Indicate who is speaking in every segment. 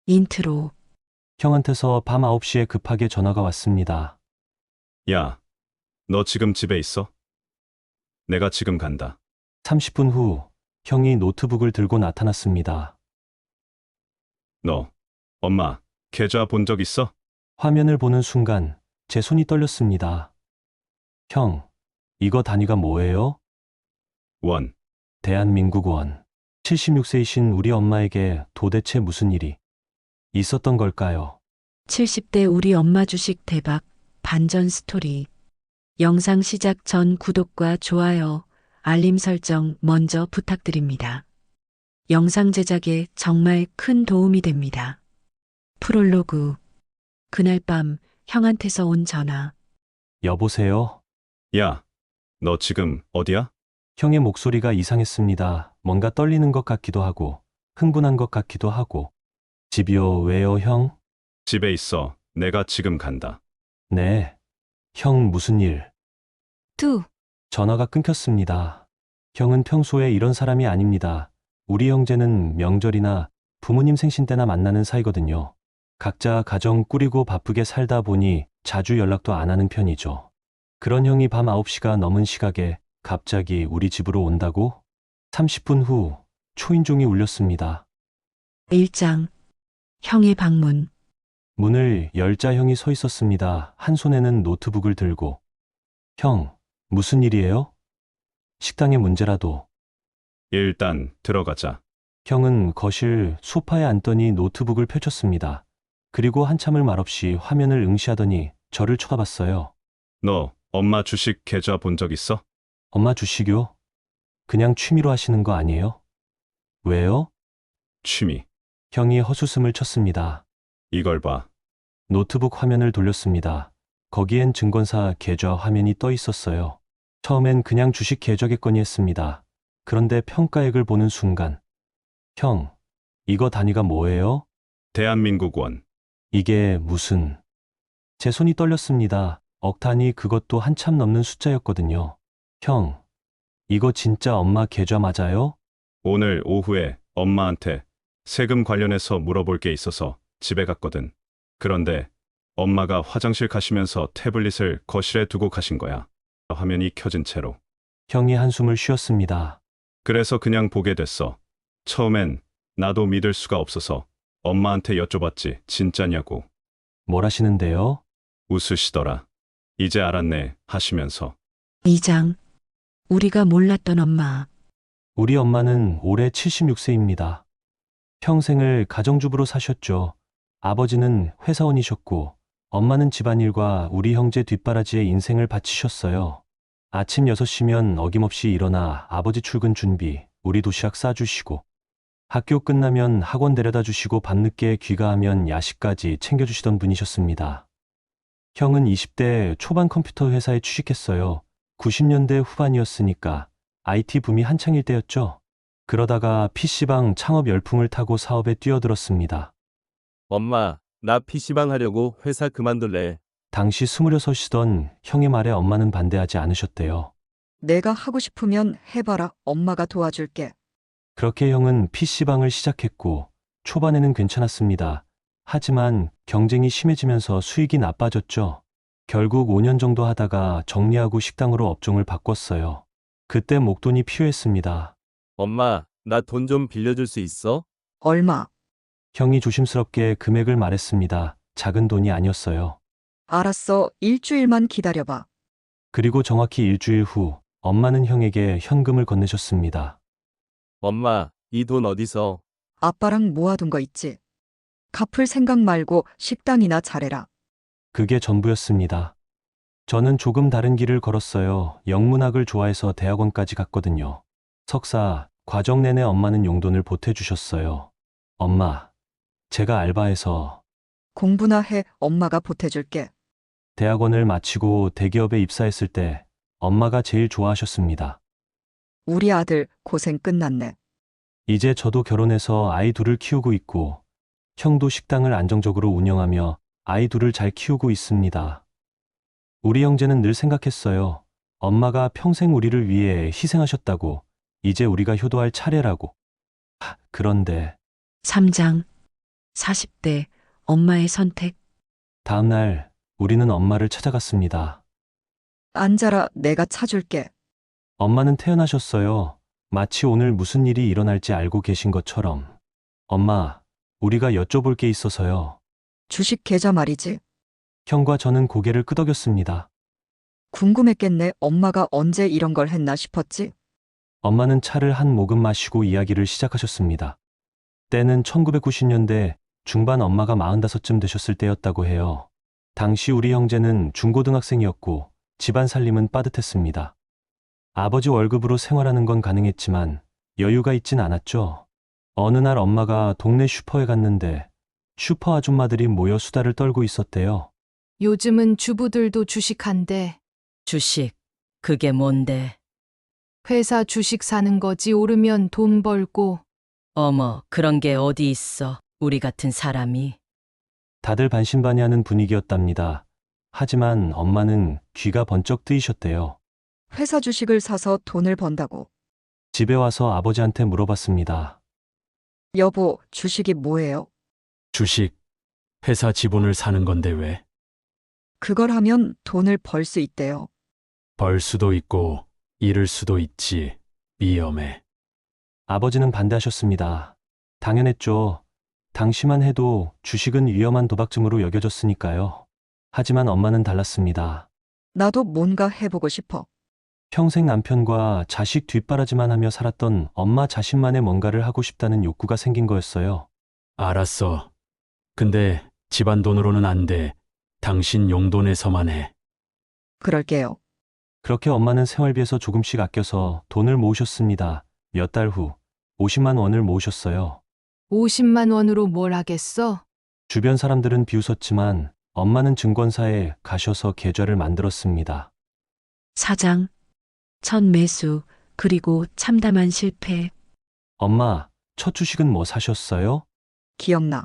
Speaker 1: 인트로.
Speaker 2: 형한테서 밤 9시에 급하게 전화가 왔습니다.
Speaker 3: 야, 너 지금 집에 있어? 내가 지금 간다.
Speaker 2: 30분 후 형이 노트북을 들고 나타났습니다.
Speaker 3: 너, 엄마, 계좌 본 적 있어?
Speaker 2: 화면을 보는 순간 제 손이 떨렸습니다. 형, 이거 단위가 뭐예요?
Speaker 3: 원.
Speaker 2: 대한민국 원. 76세이신 우리 엄마에게 도대체 무슨 일이 있었던 걸까요?
Speaker 1: 70대 우리 엄마 주식 대박 반전 스토리. 영상 시작 전 구독과 좋아요, 알림 설정 먼저 부탁드립니다. 영상 제작에 정말 큰 도움이 됩니다. 프롤로그. 그날 밤 형한테서 온 전화.
Speaker 2: 여보세요?
Speaker 3: 야, 너 지금 어디야?
Speaker 2: 형의 목소리가 이상했습니다. 뭔가 떨리는 것 같기도 하고 흥분한 것 같기도 하고. 집이요, 왜요, 형?
Speaker 3: 집에 있어. 내가 지금 간다.
Speaker 2: 네. 형 무슨 일?
Speaker 1: 뚜.
Speaker 2: 전화가 끊겼습니다. 형은 평소에 이런 사람이 아닙니다. 우리 형제는 명절이나 부모님 생신 때나 만나는 사이거든요. 각자 가정 꾸리고 바쁘게 살다 보니 자주 연락도 안 하는 편이죠. 그런 형이 밤 9시가 넘은 시각에 갑자기 우리 집으로 온다고? 30분 후 초인종이 울렸습니다.
Speaker 1: 1장. 형의 방문.
Speaker 2: 문을 열자 형이 서 있었습니다. 한 손에는 노트북을 들고. 형, 무슨 일이에요? 식당의 문제라도.
Speaker 3: 일단 들어가자.
Speaker 2: 형은 거실 소파에 앉더니 노트북을 펼쳤습니다. 그리고 한참을 말없이 화면을 응시하더니 저를 쳐다봤어요.
Speaker 3: 너, 엄마 주식 계좌 본 적 있어?
Speaker 2: 엄마 주식요? 그냥 취미로 하시는 거 아니에요? 왜요?
Speaker 3: 취미.
Speaker 2: 형이 헛웃음을 쳤습니다.
Speaker 3: 이걸 봐.
Speaker 2: 노트북 화면을 돌렸습니다. 거기엔 증권사 계좌 화면이 떠 있었어요. 처음엔 그냥 주식 계좌겠거니 했습니다. 그런데 평가액을 보는 순간, 형, 이거 단위가 뭐예요?
Speaker 3: 대한민국 원.
Speaker 2: 이게 무슨... 제 손이 떨렸습니다. 억 단위, 그것도 한참 넘는 숫자였거든요. 형, 이거 진짜 엄마 계좌 맞아요?
Speaker 3: 오늘 오후에 엄마한테 세금 관련해서 물어볼 게 있어서 집에 갔거든. 그런데 엄마가 화장실 가시면서 태블릿을 거실에 두고 가신 거야. 화면이 켜진 채로.
Speaker 2: 형이 한숨을 쉬었습니다.
Speaker 3: 그래서 그냥 보게 됐어. 처음엔 나도 믿을 수가 없어서 엄마한테 여쭤봤지. 진짜냐고.
Speaker 2: 뭘 하시는데요?
Speaker 3: 웃으시더라. 이제 알았네 하시면서.
Speaker 1: 2장. 우리가 몰랐던 엄마.
Speaker 2: 우리 엄마는 올해 76세입니다. 평생을 가정주부로 사셨죠. 아버지는 회사원이셨고, 엄마는 집안일과 우리 형제 뒷바라지에 인생을 바치셨어요. 아침 6시면 어김없이 일어나 아버지 출근 준비, 우리 도시락 싸주시고, 학교 끝나면 학원 데려다 주시고 밤늦게 귀가하면 야식까지 챙겨주시던 분이셨습니다. 형은 20대 초반 컴퓨터 회사에 취직했어요. 90년대 후반이었으니까 IT 붐이 한창일 때였죠. 그러다가 PC방 창업 열풍을 타고 사업에 뛰어들었습니다.
Speaker 4: 엄마, 나 PC방 하려고 회사 그만둘래.
Speaker 2: 당시 26이던 형의 말에 엄마는 반대하지 않으셨대요.
Speaker 5: 내가 하고 싶으면 해봐라. 엄마가 도와줄게.
Speaker 2: 그렇게 형은 PC방을 시작했고 초반에는 괜찮았습니다. 하지만 경쟁이 심해지면서 수익이 나빠졌죠. 결국 5년 정도 하다가 정리하고 식당으로 업종을 바꿨어요. 그때 목돈이 필요했습니다.
Speaker 4: 엄마, 나 돈 좀 빌려줄 수 있어?
Speaker 5: 얼마?
Speaker 2: 형이 조심스럽게 금액을 말했습니다. 작은 돈이 아니었어요.
Speaker 5: 알았어. 일주일만 기다려봐.
Speaker 2: 그리고 정확히 일주일 후 엄마는 형에게 현금을 건네셨습니다.
Speaker 4: 엄마, 이 돈 어디서?
Speaker 5: 아빠랑 모아둔 거 있지? 갚을 생각 말고 식당이나 차려라.
Speaker 2: 그게 전부였습니다. 저는 조금 다른 길을 걸었어요. 영문학을 좋아해서 대학원까지 갔거든요. 석사, 과정 내내 엄마는 용돈을 보태주셨어요. 엄마, 제가 알바해서
Speaker 5: 공부나 해. 엄마가 보태줄게.
Speaker 2: 대학원을 마치고 대기업에 입사했을 때 엄마가 제일 좋아하셨습니다.
Speaker 5: 우리 아들 고생 끝났네.
Speaker 2: 이제 저도 결혼해서 아이 둘을 키우고 있고 형도 식당을 안정적으로 운영하며 아이 둘을 잘 키우고 있습니다. 우리 형제는 늘 생각했어요. 엄마가 평생 우리를 위해 희생하셨다고. 이제 우리가 효도할 차례라고. 그런데
Speaker 1: 3장. 40대 엄마의 선택.
Speaker 2: 다음 날 우리는 엄마를 찾아갔습니다.
Speaker 5: 앉아라, 내가 차줄게.
Speaker 2: 엄마는 태어나셨어요. 마치 오늘 무슨 일이 일어날지 알고 계신 것처럼. 엄마, 우리가 여쭤볼 게 있어서요.
Speaker 5: 주식 계좌 말이지.
Speaker 2: 형과 저는 고개를 끄덕였습니다.
Speaker 5: 궁금했겠네. 엄마가 언제 이런 걸 했나 싶었지.
Speaker 2: 엄마는 차를 한 모금 마시고 이야기를 시작하셨습니다. 때는 1990년대 중반, 엄마가 45쯤 되셨을 때였다고 해요. 당시 우리 형제는 중고등학생이었고 집안 살림은 빠듯했습니다. 아버지 월급으로 생활하는 건 가능했지만 여유가 있진 않았죠. 어느 날 엄마가 동네 슈퍼에 갔는데 슈퍼 아줌마들이 모여 수다를 떨고 있었대요.
Speaker 6: 요즘은 주부들도 주식한대.
Speaker 7: 주식, 그게 뭔데?
Speaker 6: 회사 주식 사는 거지. 오르면 돈 벌고.
Speaker 7: 어머, 그런 게 어디 있어. 우리 같은 사람이.
Speaker 2: 다들 반신반의하는 분위기였답니다. 하지만 엄마는 귀가 번쩍 뜨이셨대요.
Speaker 5: 회사 주식을 사서 돈을 번다고.
Speaker 2: 집에 와서 아버지한테 물어봤습니다.
Speaker 5: 여보, 주식이 뭐예요?
Speaker 8: 주식, 회사 지분을 사는 건데 왜?
Speaker 5: 그걸 하면 돈을 벌 수 있대요.
Speaker 8: 벌 수도 있고 잃을 수도 있지. 위험해.
Speaker 2: 아버지는 반대하셨습니다. 당연했죠. 당시만 해도 주식은 위험한 도박증으로 여겨졌으니까요. 하지만 엄마는 달랐습니다.
Speaker 5: 나도 뭔가 해보고 싶어.
Speaker 2: 평생 남편과 자식 뒷바라지만 하며 살았던 엄마 자신만의 뭔가를 하고 싶다는 욕구가 생긴 거였어요.
Speaker 8: 알았어. 근데 집안 돈으로는 안 돼. 당신 용돈에서만 해.
Speaker 5: 그럴게요.
Speaker 2: 그렇게 엄마는 생활비에서 조금씩 아껴서 돈을 모으셨습니다. 몇 달 후 50만 원을 모으셨어요.
Speaker 6: 50만 원으로 뭘 하겠어?
Speaker 2: 주변 사람들은 비웃었지만 엄마는 증권사에 가셔서 계좌를 만들었습니다.
Speaker 1: 사장, 첫 매수, 그리고 참담한 실패.
Speaker 2: 엄마, 첫 주식은 뭐 사셨어요?
Speaker 5: 기억나.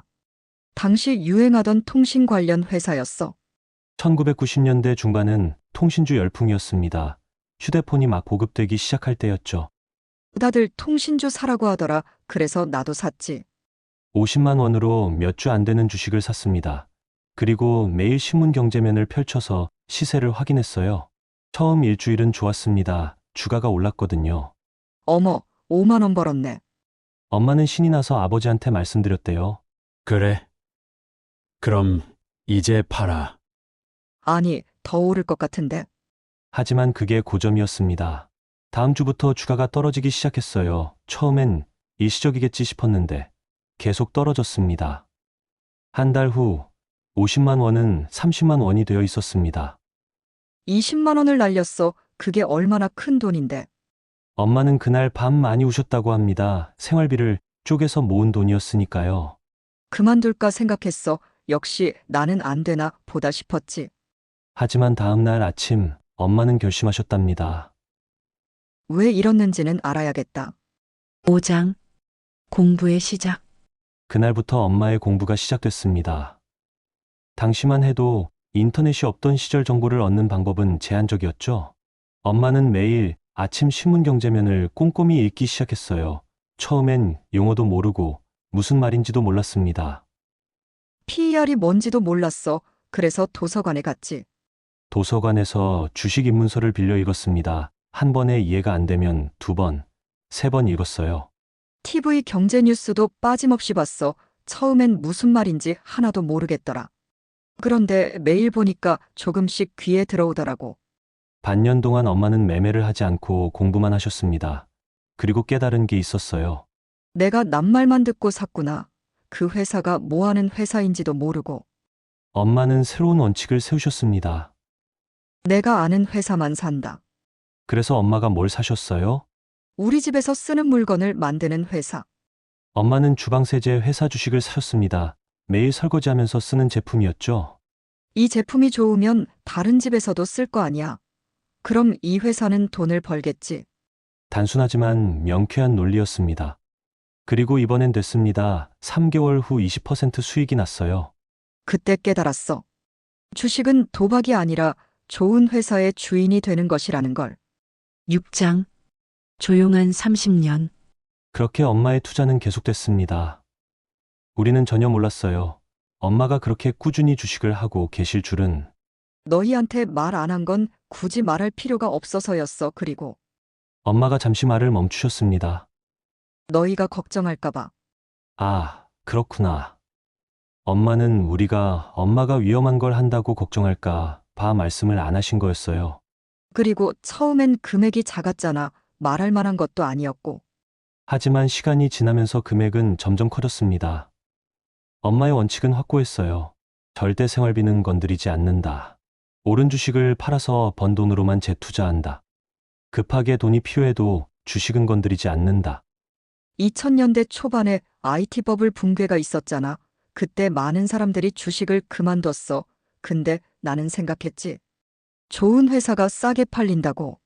Speaker 5: 당시 유행하던 통신 관련 회사였어.
Speaker 2: 1990년대 중반은 통신주 열풍이었습니다. 휴대폰이 막 보급되기 시작할 때였죠.
Speaker 5: 다들 통신주 사라고 하더라. 그래서 나도 샀지.
Speaker 2: 50만 원으로 몇 주 안 되는 주식을 샀습니다. 그리고 매일 신문 경제면을 펼쳐서 시세를 확인했어요. 처음 일주일은 좋았습니다. 주가가 올랐거든요.
Speaker 5: 어머, 5만 원 벌었네.
Speaker 2: 엄마는 신이 나서 아버지한테 말씀드렸대요.
Speaker 8: 그래? 그럼 이제 팔아.
Speaker 5: 아니, 더 오를 것 같은데.
Speaker 2: 하지만 그게 고점이었습니다. 다음 주부터 주가가 떨어지기 시작했어요. 처음엔 일시적이겠지 싶었는데 계속 떨어졌습니다. 한 달 후 50만 원은 30만 원이 되어 있었습니다.
Speaker 5: 20만 원을 날렸어. 그게 얼마나 큰 돈인데.
Speaker 2: 엄마는 그날 밤 많이 우셨다고 합니다. 생활비를 쪼개서 모은 돈이었으니까요.
Speaker 5: 그만둘까 생각했어. 역시 나는 안 되나 보다 싶었지.
Speaker 2: 하지만 다음 날 아침 엄마는 결심하셨답니다.
Speaker 5: 왜 이랬는지는 알아야겠다.
Speaker 1: 5장, 공부의 시작.
Speaker 2: 그날부터 엄마의 공부가 시작됐습니다. 당시만 해도 인터넷이 없던 시절 정보를 얻는 방법은 제한적이었죠. 엄마는 매일 아침 신문경제면을 꼼꼼히 읽기 시작했어요. 처음엔 용어도 모르고 무슨 말인지도 몰랐습니다.
Speaker 5: PER이 뭔지도 몰랐어. 그래서 도서관에 갔지.
Speaker 2: 도서관에서 주식 입문서를 빌려 읽었습니다. 한 번에 이해가 안 되면 두 번, 세 번 읽었어요.
Speaker 5: TV 경제 뉴스도 빠짐없이 봤어. 처음엔 무슨 말인지 하나도 모르겠더라. 그런데 매일 보니까 조금씩 귀에 들어오더라고.
Speaker 2: 반년 동안 엄마는 매매를 하지 않고 공부만 하셨습니다. 그리고 깨달은 게 있었어요.
Speaker 5: 내가 낱말만 듣고 샀구나. 그 회사가 뭐 하는 회사인지도 모르고.
Speaker 2: 엄마는 새로운 원칙을 세우셨습니다.
Speaker 5: 내가 아는 회사만 산다.
Speaker 2: 그래서 엄마가 뭘 사셨어요?
Speaker 5: 우리 집에서 쓰는 물건을 만드는 회사.
Speaker 2: 엄마는 주방세제 회사 주식을 사셨습니다. 매일 설거지하면서 쓰는 제품이었죠.
Speaker 5: 이 제품이 좋으면 다른 집에서도 쓸 거 아니야. 그럼 이 회사는 돈을 벌겠지.
Speaker 2: 단순하지만 명쾌한 논리였습니다. 그리고 이번엔 됐습니다. 3개월 후 20% 수익이 났어요.
Speaker 5: 그때 깨달았어. 주식은 도박이 아니라 좋은 회사의 주인이 되는 것이라는 걸.
Speaker 1: 6장, 조용한 30년.
Speaker 2: 그렇게 엄마의 투자는 계속됐습니다. 우리는 전혀 몰랐어요. 엄마가 그렇게 꾸준히 주식을 하고 계실 줄은.
Speaker 5: 너희한테 말 안 한 건 굳이 말할 필요가 없어서였어. 그리고
Speaker 2: 엄마가 잠시 말을 멈추셨습니다.
Speaker 5: 너희가 걱정할까봐.
Speaker 2: 아, 그렇구나. 엄마는 우리가 엄마가 위험한 걸 한다고 걱정할까 봐 말씀을 안 하신 거였어요.
Speaker 5: 그리고 처음엔 금액이 작았잖아. 말할 만한 것도 아니었고.
Speaker 2: 하지만 시간이 지나면서 금액은 점점 커졌습니다. 엄마의 원칙은 확고했어요. 절대 생활비는 건드리지 않는다. 옳은 주식을 팔아서 번 돈으로만 재투자한다. 급하게 돈이 필요해도 주식은 건드리지 않는다.
Speaker 5: 2000년대 초반에 IT 버블 붕괴가 있었잖아. 그때 많은 사람들이 주식을 그만뒀어. 근데 나는 생각했지. 좋은 회사가 싸게 팔린다고.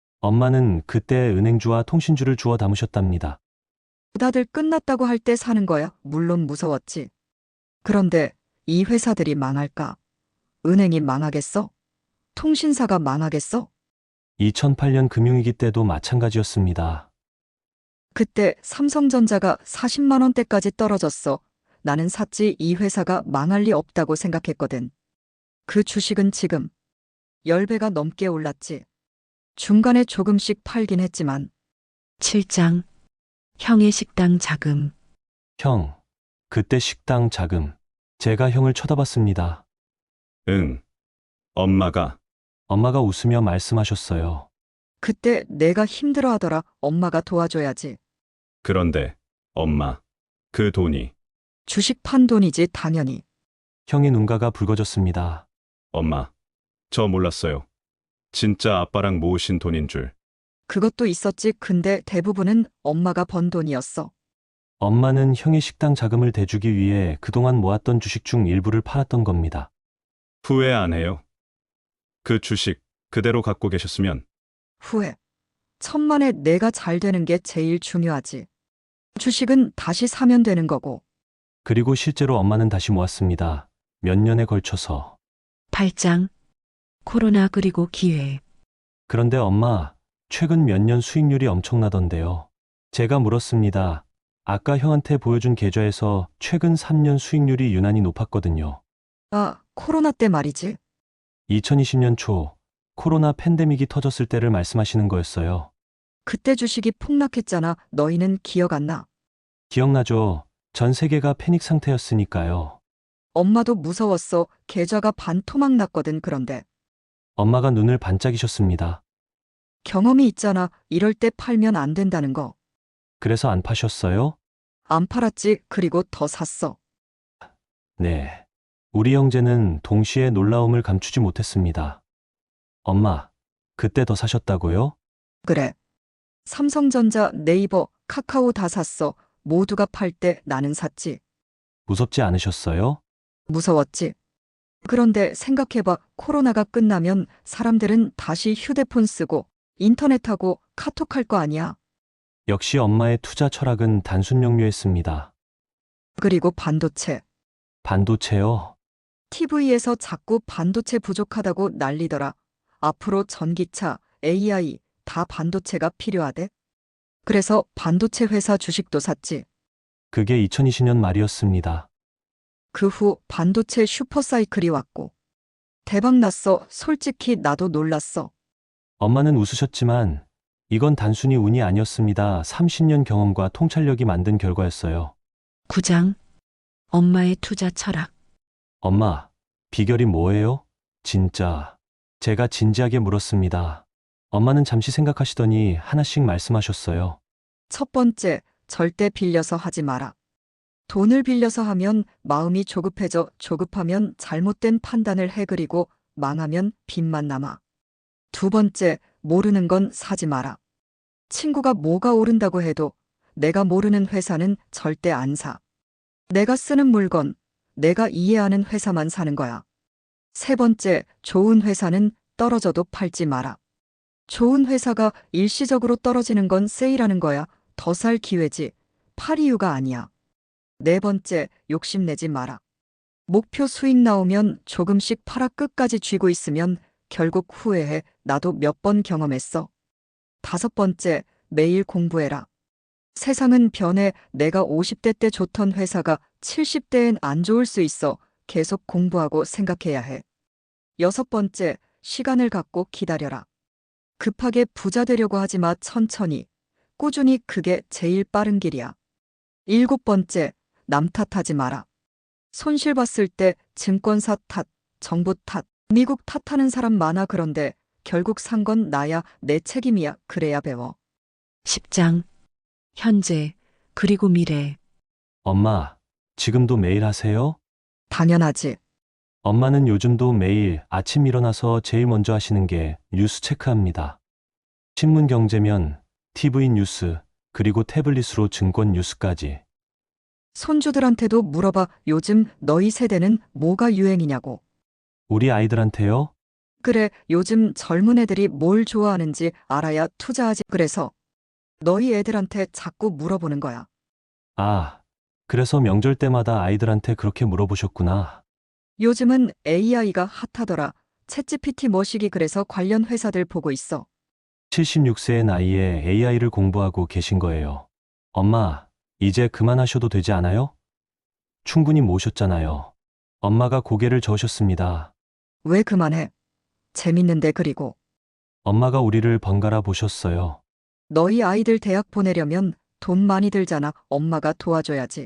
Speaker 2: 엄마는 그때 은행주와 통신주를 주워 담으셨답니다.
Speaker 5: 다들 끝났다고 할 때 사는 거야. 물론 무서웠지. 그런데 이 회사들이 망할까? 은행이 망하겠어? 통신사가 망하겠어?
Speaker 2: 2008년 금융위기 때도 마찬가지였습니다.
Speaker 5: 그때 삼성전자가 40만 원대까지 떨어졌어. 나는 샀지. 이 회사가 망할 리 없다고 생각했거든. 그 주식은 지금 10배가 넘게 올랐지. 중간에 조금씩 팔긴 했지만
Speaker 1: 7장 형의 식당 자금.
Speaker 2: 형, 그때 식당 자금. 제가 형을 쳐다봤습니다.
Speaker 3: 응. 엄마가
Speaker 2: 엄마가 웃으며 말씀하셨어요.
Speaker 5: 그때 내가 힘들어하더라. 엄마가 도와줘야지.
Speaker 3: 그런데 엄마, 그 돈이
Speaker 5: 주식 판 돈이지 당연히.
Speaker 2: 형의 눈가가 붉어졌습니다.
Speaker 3: 엄마, 저 몰랐어요. 진짜 아빠랑 모으신 돈인 줄.
Speaker 5: 그것도 있었지. 근데 대부분은 엄마가 번 돈이었어.
Speaker 2: 엄마는 형의 식당 자금을 대주기 위해 그동안 모았던 주식 중 일부를 팔았던 겁니다.
Speaker 3: 후회 안 해요. 그 주식 그대로 갖고 계셨으면
Speaker 5: 후회. 천만에 내가 잘 되는 게 제일 중요하지. 주식은 다시 사면 되는 거고.
Speaker 2: 그리고 실제로 엄마는 다시 모았습니다. 몇 년에 걸쳐서.
Speaker 1: 8장 코로나 그리고 기회.
Speaker 2: 그런데 엄마, 최근 몇 년 수익률이 엄청나던데요. 제가 물었습니다. 아까 형한테 보여준 계좌에서 최근 3년 수익률이 유난히 높았거든요.
Speaker 5: 아, 코로나 때 말이지.
Speaker 2: 2020년 초 코로나 팬데믹이 터졌을 때를 말씀하시는 거였어요.
Speaker 5: 그때 주식이 폭락했잖아. 너희는 기억 안 나?
Speaker 2: 기억나죠? 전 세계가 패닉 상태였으니까요.
Speaker 5: 엄마도 무서웠어. 계좌가 반토막 났거든. 그런데
Speaker 2: 엄마가 눈을 반짝이셨습니다.
Speaker 5: 경험이 있잖아. 이럴 때 팔면 안 된다는 거.
Speaker 2: 그래서 안 파셨어요?
Speaker 5: 안 팔았지. 그리고 더 샀어.
Speaker 2: 네. 우리 형제는 동시에 놀라움을 감추지 못했습니다. 엄마, 그때 더 사셨다고요?
Speaker 5: 그래. 삼성전자, 네이버, 카카오 다 샀어. 모두가 팔 때 나는 샀지.
Speaker 2: 무섭지 않으셨어요?
Speaker 5: 무서웠지. 그런데 생각해봐. 코로나가 끝나면 사람들은 다시 휴대폰 쓰고 인터넷하고 카톡할 거 아니야.
Speaker 2: 역시 엄마의 투자 철학은 단순 명료했습니다.
Speaker 5: 그리고 반도체.
Speaker 2: 반도체요?
Speaker 5: TV에서 자꾸 반도체 부족하다고 난리더라. 앞으로 전기차, AI 다 반도체가 필요하대. 그래서 반도체 회사 주식도 샀지.
Speaker 2: 그게 2020년 말이었습니다.
Speaker 5: 그 후 반도체 슈퍼사이클이 왔고. 대박 났어. 솔직히 나도 놀랐어.
Speaker 2: 엄마는 웃으셨지만 이건 단순히 운이 아니었습니다. 30년 경험과 통찰력이 만든 결과였어요.
Speaker 1: 9장 엄마의 투자 철학.
Speaker 2: 엄마, 비결이 뭐예요? 진짜. 제가 진지하게 물었습니다. 엄마는 잠시 생각하시더니 하나씩 말씀하셨어요.
Speaker 5: 첫 번째, 절대 빌려서 하지 마라. 돈을 빌려서 하면 마음이 조급해져. 조급하면 잘못된 판단을 해. 그리고 망하면 빚만 남아. 두 번째, 모르는 건 사지 마라. 친구가 뭐가 오른다고 해도 내가 모르는 회사는 절대 안 사. 내가 쓰는 물건, 내가 이해하는 회사만 사는 거야. 세 번째, 좋은 회사는 떨어져도 팔지 마라. 좋은 회사가 일시적으로 떨어지는 건 세일하는 거야. 더 살 기회지. 팔 이유가 아니야. 네 번째, 욕심내지 마라. 목표 수익 나오면 조금씩 팔아. 끝까지 쥐고 있으면 결국 후회해. 나도 몇 번 경험했어. 다섯 번째, 매일 공부해라. 세상은 변해. 내가 50대 때 좋던 회사가 70대엔 안 좋을 수 있어. 계속 공부하고 생각해야 해. 6번째, 시간을 갖고 기다려라. 급하게 부자 되려고 하지 마. 천천히. 꾸준히. 그게 제일 빠른 길이야. 7번째, 남 탓하지 마라. 손실 봤을 때 증권사 탓, 정부 탓, 미국 탓하는 사람 많아. 그런데 결국 산 건 나야. 내 책임이야. 그래야 배워.
Speaker 1: 10장. 현재, 그리고 미래.
Speaker 2: 엄마, 지금도 매일 하세요?
Speaker 5: 당연하지.
Speaker 2: 엄마는 요즘도 매일 아침 일어나서 제일 먼저 하시는 게 뉴스 체크합니다. 신문 경제면, TV 뉴스, 그리고 태블릿으로 증권 뉴스까지.
Speaker 5: 손주들한테도 물어봐. 요즘 너희 세대는 뭐가 유행이냐고.
Speaker 2: 우리 아이들한테요?
Speaker 5: 그래, 요즘 젊은 애들이 뭘 좋아하는지 알아야 투자하지. 그래서 너희 애들한테 자꾸 물어보는 거야.
Speaker 2: 아, 그래서 명절 때마다 아이들한테 그렇게 물어보셨구나.
Speaker 5: 요즘은 AI가 핫하더라. 챗GPT 머시기. 그래서 관련 회사들 보고 있어.
Speaker 2: 76세의 나이에 AI를 공부하고 계신 거예요. 엄마, 이제 그만하셔도 되지 않아요? 충분히 모셨잖아요. 엄마가 고개를 저으셨습니다.
Speaker 5: 왜 그만해? 재밌는데. 그리고
Speaker 2: 엄마가 우리를 번갈아 보셨어요.
Speaker 5: 너희 아이들 대학 보내려면 돈 많이 들잖아. 엄마가 도와줘야지.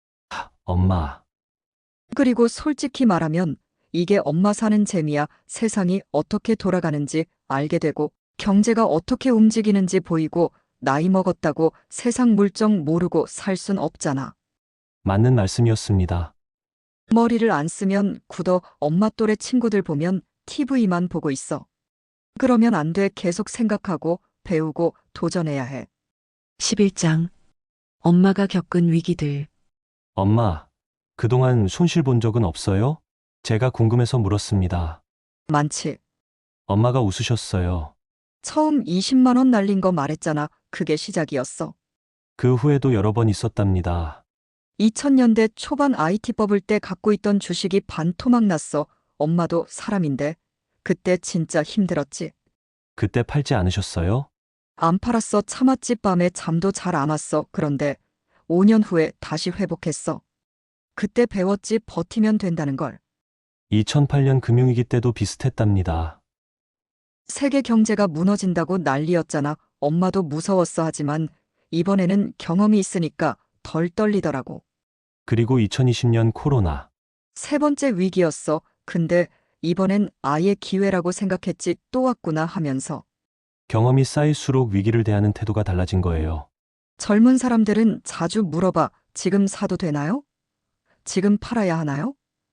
Speaker 2: 엄마,
Speaker 5: 그리고 솔직히 말하면 이게 엄마 사는 재미야. 세상이 어떻게 돌아가는지 알게 되고 경제가 어떻게 움직이는지 보이고 나이 먹었다고 세상 물정 모르고 살 순 없잖아.
Speaker 2: 맞는 말씀이었습니다.
Speaker 5: 머리를 안 쓰면 굳어. 엄마 또래 친구들 보면 TV만 보고 있어. 그러면 안 돼. 계속 생각하고 배우고 도전해야 해.
Speaker 1: 11장. 엄마가 겪은 위기들.
Speaker 2: 엄마, 그동안 손실 본 적은 없어요? 제가 궁금해서 물었습니다.
Speaker 5: 많지.
Speaker 2: 엄마가 웃으셨어요.
Speaker 5: 처음 20만 원 날린 거 말했잖아. 그게 시작이었어.
Speaker 2: 그 후에도 여러 번 있었답니다.
Speaker 5: 2000년대 초반 IT 버블 때 갖고 있던 주식이 반토막 났어. 엄마도 사람인데. 그때 진짜 힘들었지.
Speaker 2: 그때 팔지 않으셨어요?
Speaker 5: 안 팔았어. 참았지. 밤에 잠도 잘 안 왔어. 그런데 5년 후에 다시 회복했어. 그때 배웠지. 버티면 된다는 걸.
Speaker 2: 2008년 금융위기 때도 비슷했답니다.
Speaker 5: 세계 경제가 무너진다고 난리였잖아. 엄마도 무서웠어. 하지만 이번에는 경험이 있으니까 덜 떨리더라고.
Speaker 2: 그리고 2020년 코로나.
Speaker 5: 3번째 위기였어. 근데 이번엔 아예 기회라고 생각했지. 또 왔구나 하면서.
Speaker 2: 경험이 쌓일수록 위기를 대하는 태도가 달라진 거예요.
Speaker 5: 젊은 사람들은 자주 물어봐. 지금 사도 되나요? 지금 팔아야 하나요?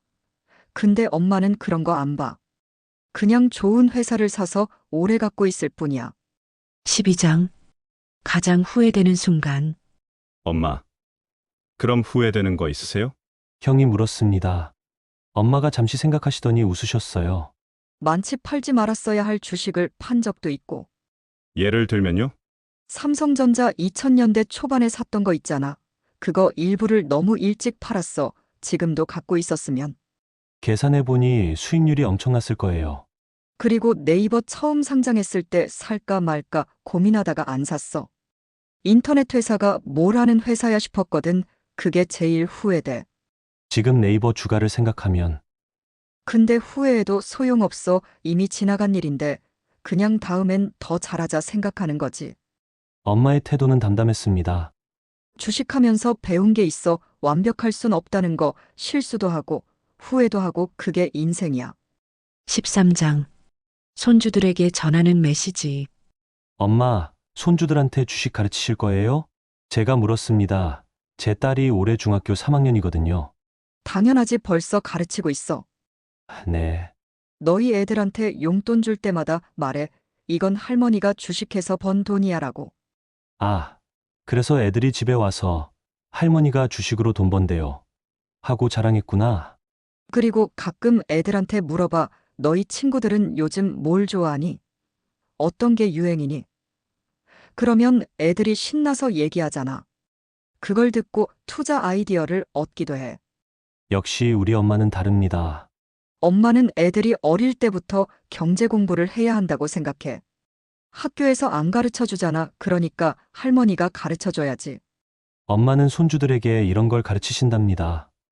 Speaker 5: 근데 엄마는 그런 거 안 봐. 그냥 좋은 회사를 사서 오래 갖고 있을 뿐이야.
Speaker 1: 12장. 가장 후회되는 순간.
Speaker 3: 엄마, 그럼 후회되는 거 있으세요?
Speaker 2: 형이 물었습니다. 엄마가 잠시 생각하시더니 웃으셨어요.
Speaker 5: 많지. 팔지 말았어야 할 주식을 판 적도 있고.
Speaker 3: 예를 들면요?
Speaker 5: 삼성전자 2000년대 초반에 샀던 거 있잖아. 그거 일부를 너무 일찍 팔았어. 지금도 갖고 있었으면.
Speaker 2: 계산해보니 수익률이 엄청났을 거예요.
Speaker 5: 그리고 네이버 처음 상장했을 때 살까 말까 고민하다가 안 샀어. 인터넷 회사가 뭘 하는 회사야 싶었거든. 그게 제일 후회돼.
Speaker 2: 지금 네이버 주가를 생각하면
Speaker 5: 근데 후회해도 소용없어. 이미 지나간 일인데 그냥 다음엔 더 잘하자 생각하는 거지.
Speaker 2: 엄마의 태도는 담담했습니다.
Speaker 5: 주식하면서 배운 게 있어. 완벽할 순 없다는 거. 실수도 하고 후회도 하고. 그게 인생이야.
Speaker 1: 13장. 손주들에게 전하는 메시지.
Speaker 2: 엄마, 손주들한테 주식 가르치실 거예요? 제가 물었습니다. 제 딸이 올해 중학교 3학년이거든요.
Speaker 5: 당연하지. 벌써 가르치고 있어.
Speaker 2: 네.
Speaker 5: 너희 애들한테 용돈 줄 때마다 말해. 이건 할머니가 주식해서 번 돈이야 라고.
Speaker 2: 아, 그래서 애들이 집에 와서 할머니가 주식으로 돈 번대요. 하고 자랑했구나.
Speaker 5: 그리고 가끔 애들한테 물어봐. 너희 친구들은 요즘 뭘 좋아하니? 어떤 게 유행이니? 그러면 애들이 신나서 얘기하잖아. 그걸 듣고 투자 아이디어를 얻기도 해.
Speaker 2: 역시 우리 엄마는 다릅니다.
Speaker 5: 엄마는 애들이 어릴 때부터 경제 공부를 해야 한다고 생각해. 학교에서 안 가르쳐 주잖아. 그러니까 할머니가 가르쳐 줘야지.
Speaker 2: 엄마는 손주들에게 이런 걸 가르치신답니다.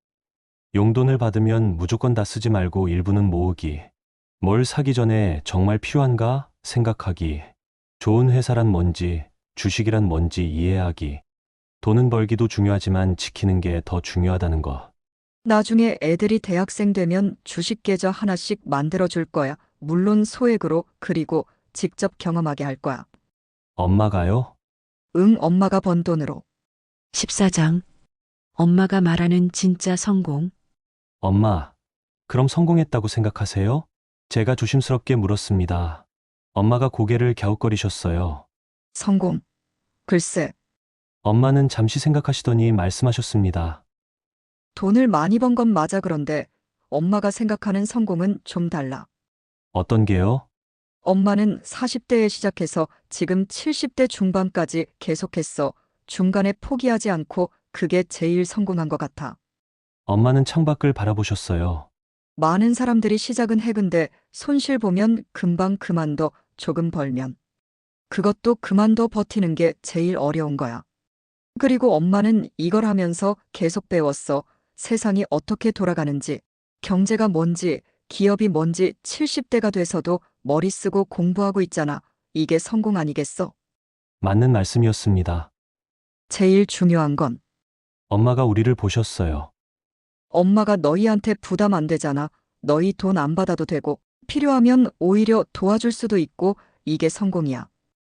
Speaker 2: 용돈을 받으면 무조건 다 쓰지 말고 일부는 모으기. 뭘 사기 전에 정말 필요한가 생각하기. 좋은 회사란 뭔지, 주식이란 뭔지 이해하기. 돈은 벌기도 중요하지만 지키는 게 더 중요하다는 거.
Speaker 5: 나중에 애들이 대학생 되면 주식 계좌 하나씩 만들어 줄 거야. 물론 소액으로, 그리고 직접 경험하게 할 거야.
Speaker 2: 엄마가요?
Speaker 5: 응, 엄마가 번 돈으로.
Speaker 1: 14장. 엄마가 말하는 진짜 성공.
Speaker 2: 엄마, 그럼 성공했다고 생각하세요? 제가 조심스럽게 물었습니다. 엄마가 고개를 갸웃거리셨어요.
Speaker 5: 성공. 글쎄,
Speaker 2: 엄마는 잠시 생각하시더니 말씀하셨습니다.
Speaker 5: 돈을 많이 번 건 맞아. 그런데 엄마가 생각하는 성공은 좀 달라.
Speaker 2: 어떤 게요?
Speaker 5: 엄마는 40대에 시작해서 지금 70대 중반까지 계속했어. 중간에 포기하지 않고 그게 제일 성공한 것 같아.
Speaker 2: 엄마는 창밖을 바라보셨어요.
Speaker 5: 많은 사람들이 시작은 해. 근데 손실 보면 금방 그만둬. 조금 벌면. 그것도 그만둬 버티는 게 제일 어려운 거야. 그리고 엄마는 이걸 하면서 계속 배웠어. 세상이 어떻게 돌아가는지, 경제가 뭔지, 기업이 뭔지. 70대가 돼서도 머리 쓰고 공부하고 있잖아. 이게 성공 아니겠어?
Speaker 2: 맞는 말씀이었습니다.
Speaker 5: 제일 중요한 건
Speaker 2: 엄마가 우리를 보셨어요.
Speaker 5: 엄마가 너희한테 부담 안 되잖아. 너희 돈 안 받아도 되고, 필요하면 오히려 도와줄 수도 있고. 이게 성공이야.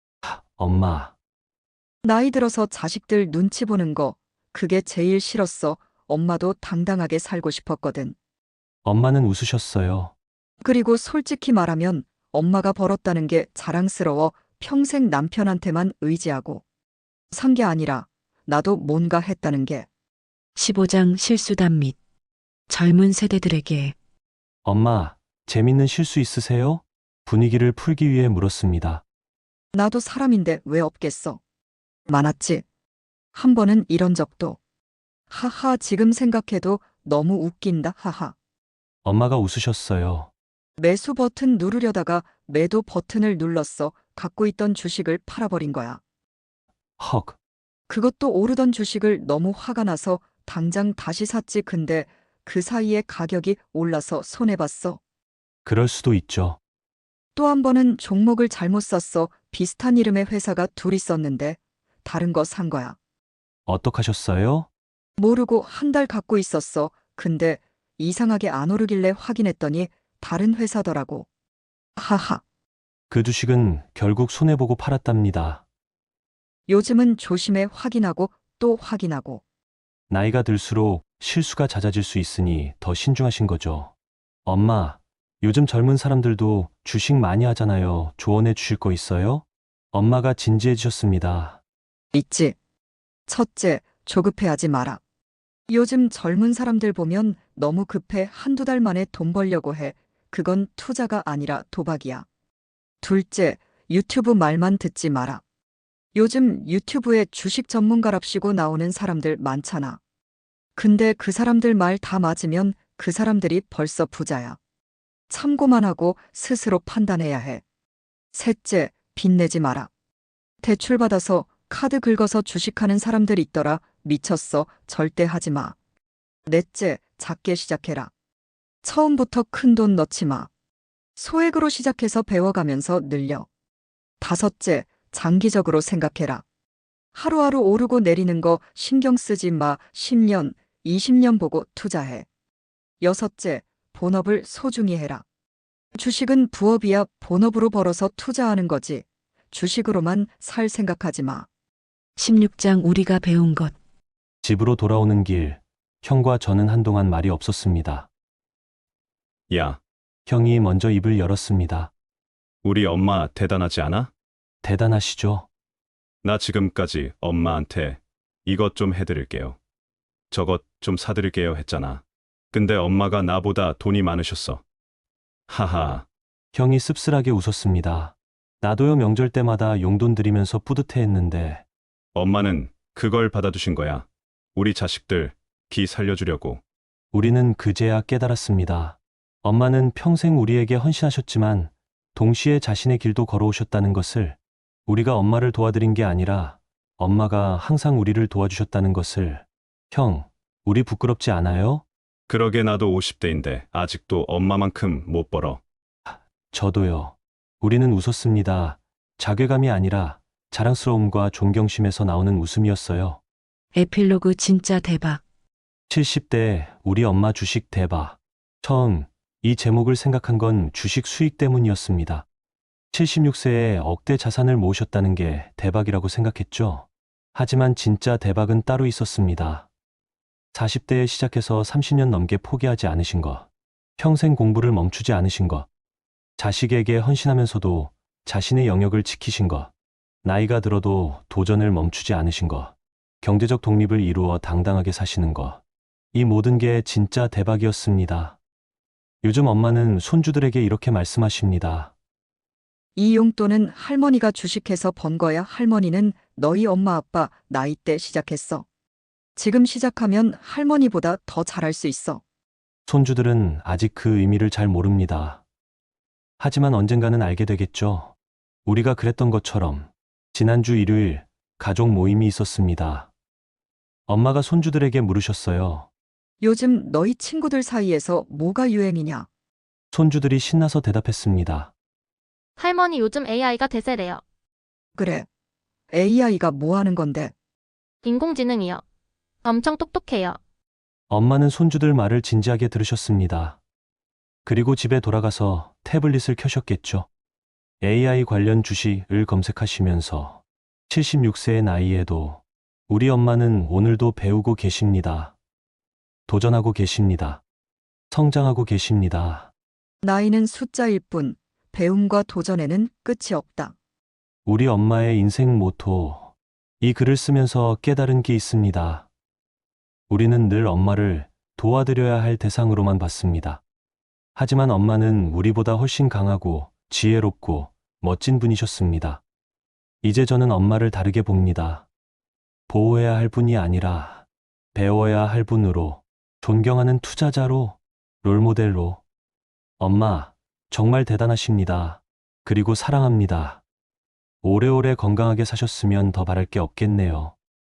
Speaker 2: 엄마,
Speaker 5: 나이 들어서 자식들 눈치 보는 거, 그게 제일 싫었어. 엄마도 당당하게 살고 싶었거든.
Speaker 2: 엄마는 웃으셨어요.
Speaker 5: 그리고 솔직히 말하면 엄마가 벌었다는 게 자랑스러워. 평생 남편한테만 의지하고 산 게 아니라 나도 뭔가 했다는 게.
Speaker 1: 15장 실수담 및 젊은 세대들에게.
Speaker 2: 엄마, 재밌는 실수 있으세요? 분위기를 풀기 위해 물었습니다.
Speaker 5: 나도 사람인데 왜 없겠어? 많았지. 한 번은 이런 적도. 하하, 지금 생각해도 너무 웃긴다. 하하.
Speaker 2: 엄마가 웃으셨어요.
Speaker 5: 매수 버튼 누르려다가 매도 버튼을 눌렀어. 갖고 있던 주식을 팔아버린 거야.
Speaker 2: 헉,
Speaker 5: 그것도 오르던 주식을 너무 화가 나서 당장 다시 샀지. 근데 그 사이에 가격이 올라서 손해봤어.
Speaker 2: 그럴 수도 있죠.
Speaker 5: 또 한 번은 종목을 잘못 샀어. 비슷한 이름의 회사가 둘 있었는데 다른 거 산 거야.
Speaker 2: 어떡하셨어요?
Speaker 5: 모르고 한 달 갖고 있었어. 근데 이상하게 안 오르길래 확인했더니 다른 회사더라고. 하하.
Speaker 2: 그 주식은 결국 손해보고 팔았답니다.
Speaker 5: 요즘은 조심해. 확인하고 또 확인하고.
Speaker 2: 나이가 들수록 실수가 잦아질 수 있으니 더 신중하신 거죠. 엄마, 요즘 젊은 사람들도 주식 많이 하잖아요. 조언해 주실 거 있어요? 엄마가 진지해지셨습니다.
Speaker 5: 있지. 첫째, 조급해하지 마라. 요즘 젊은 사람들 보면 너무 급해. 한두 달 만에 돈 벌려고 해. 그건 투자가 아니라 도박이야. 둘째, 유튜브 말만 듣지 마라. 요즘 유튜브에 주식 전문가랍시고 나오는 사람들 많잖아. 근데 그 사람들 말 다 맞으면 그 사람들이 벌써 부자야. 참고만 하고 스스로 판단해야 해. 셋째, 빚내지 마라. 대출받아서 카드 긁어서 주식하는 사람들 있더라. 미쳤어. 절대 하지 마. 넷째, 작게 시작해라. 처음부터 큰 돈 넣지 마. 소액으로 시작해서 배워가면서 늘려. 다섯째, 장기적으로 생각해라. 하루하루 오르고 내리는 거 신경 쓰지 마. 10년, 20년 보고 투자해. 여섯째, 본업을 소중히 해라. 주식은 부업이야. 본업으로 벌어서 투자하는 거지. 주식으로만 살 생각하지 마.
Speaker 1: 16장 우리가 배운 것.
Speaker 2: 집으로 돌아오는 길, 형과 저는 한동안 말이 없었습니다.
Speaker 3: 야,
Speaker 2: 형이 먼저 입을 열었습니다.
Speaker 3: 우리 엄마 대단하지 않아?
Speaker 2: 대단하시죠?
Speaker 3: 나 지금까지 엄마한테 이것 좀 해드릴게요. 저것 좀 사드릴게요 했잖아. 근데 엄마가 나보다 돈이 많으셨어. 하하,
Speaker 2: 형이 씁쓸하게 웃었습니다. 나도요 명절 때마다 용돈 드리면서 뿌듯해했는데
Speaker 3: 엄마는 그걸 받아두신 거야. 우리 자식들 기 살려주려고.
Speaker 2: 우리는 그제야 깨달았습니다. 엄마는 평생 우리에게 헌신하셨지만 동시에 자신의 길도 걸어오셨다는 것을, 우리가 엄마를 도와드린 게 아니라 엄마가 항상 우리를 도와주셨다는 것을. 형, 우리 부끄럽지 않아요?
Speaker 3: 그러게 나도 50대인데 아직도 엄마만큼 못 벌어.
Speaker 2: 저도요. 우리는 웃었습니다. 자괴감이 아니라 자랑스러움과 존경심에서 나오는 웃음이었어요.
Speaker 1: 에필로그 진짜 대박.
Speaker 2: 70대 우리 엄마 주식 대박. 처음 이 제목을 생각한 건 주식 수익 때문이었습니다. 76세에 억대 자산을 모으셨다는 게 대박이라고 생각했죠. 하지만 진짜 대박은 따로 있었습니다. 40대에 시작해서 30년 넘게 포기하지 않으신 것. 평생 공부를 멈추지 않으신 것. 자식에게 헌신하면서도 자신의 영역을 지키신 것. 나이가 들어도 도전을 멈추지 않으신 것. 경제적 독립을 이루어 당당하게 사시는 것. 이 모든 게 진짜 대박이었습니다. 요즘 엄마는 손주들에게 이렇게 말씀하십니다.
Speaker 5: 이 용돈은 할머니가 주식해서 번 거야. 할머니는 너희 엄마 아빠 나이 때 시작했어. 지금 시작하면 할머니보다 더 잘할 수 있어.
Speaker 2: 손주들은 아직 그 의미를 잘 모릅니다. 하지만 언젠가는 알게 되겠죠. 우리가 그랬던 것처럼 지난주 일요일 가족 모임이 있었습니다. 엄마가 손주들에게 물으셨어요.
Speaker 5: 요즘 너희 친구들 사이에서 뭐가 유행이냐?
Speaker 2: 손주들이 신나서 대답했습니다.
Speaker 9: 할머니 요즘 AI가 대세래요.
Speaker 5: 그래. AI가 뭐 하는 건데?
Speaker 9: 인공지능이요. 엄청 똑똑해요.
Speaker 2: 엄마는 손주들 말을 진지하게 들으셨습니다. 그리고 집에 돌아가서 태블릿을 켜셨겠죠. AI 관련 주식을 검색하시면서 76세의 나이에도 우리 엄마는 오늘도 배우고 계십니다. 도전하고 계십니다. 성장하고 계십니다.
Speaker 5: 나이는 숫자일 뿐 배움과 도전에는 끝이 없다.
Speaker 2: 우리 엄마의 인생 모토. 이 글을 쓰면서 깨달은 게 있습니다. 우리는 늘 엄마를 도와드려야 할 대상으로만 봤습니다. 하지만 엄마는 우리보다 훨씬 강하고 지혜롭고 멋진 분이셨습니다. 이제 저는 엄마를 다르게 봅니다. 보호해야 할 분이 아니라 배워야 할 분으로, 존경하는 투자자로, 롤모델로. 엄마, 정말 대단하십니다. 그리고 사랑합니다. 오래오래 건강하게 사셨으면 더 바랄 게 없겠네요.